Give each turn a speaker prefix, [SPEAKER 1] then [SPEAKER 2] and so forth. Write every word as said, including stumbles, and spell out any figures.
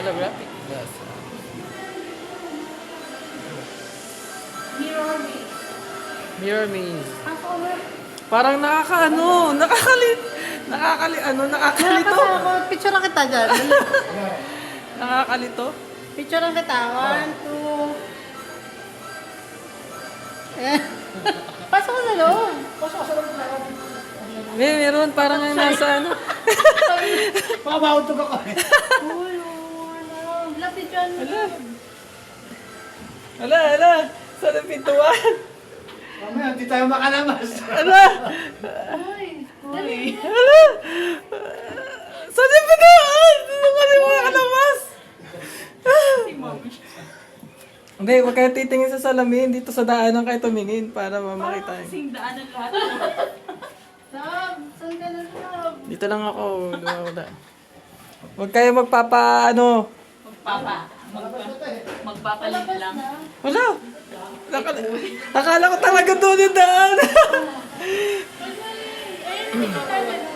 [SPEAKER 1] Holographic glass.
[SPEAKER 2] Mirror me.
[SPEAKER 1] Mirror maze.
[SPEAKER 2] Ako ba?
[SPEAKER 1] Parang nakakaano, nakakalit, nakakali, ano, nakakalito.
[SPEAKER 2] Ako, picture lang kita dyan.
[SPEAKER 1] Nakakalito.
[SPEAKER 2] Picture lang kita. One, two. Eh. Pasok ko sa loob. Pasok ko sa loob na.
[SPEAKER 1] May meron, parang nga nasa ano.
[SPEAKER 3] Pabawtog ako eh.
[SPEAKER 2] Uy, ano. Lapit dyan.
[SPEAKER 1] Ala. Ala, ala. Saan ang pintuan?
[SPEAKER 3] Mamaya, hindi tayo makalabas.
[SPEAKER 1] Ala.
[SPEAKER 2] Uy. Dali.
[SPEAKER 1] Ala. Saan yung pintuan? Sino ka rin mga kalabas? Hindi, huwag kayo titingin sa salamin. Dito sa daanan kayo tumingin para mamakita yun.
[SPEAKER 4] Kasing daanan lahat.
[SPEAKER 2] Sam, saan ka na Sam?
[SPEAKER 1] Dito lang ako. Wala. Huwag kayo magpapa, ano.
[SPEAKER 4] Magpapa. Magpa, magpapalit lang.
[SPEAKER 1] Wala. Nakala, akala ko talaga doon yung daan.
[SPEAKER 2] Ayun, hindi ka na.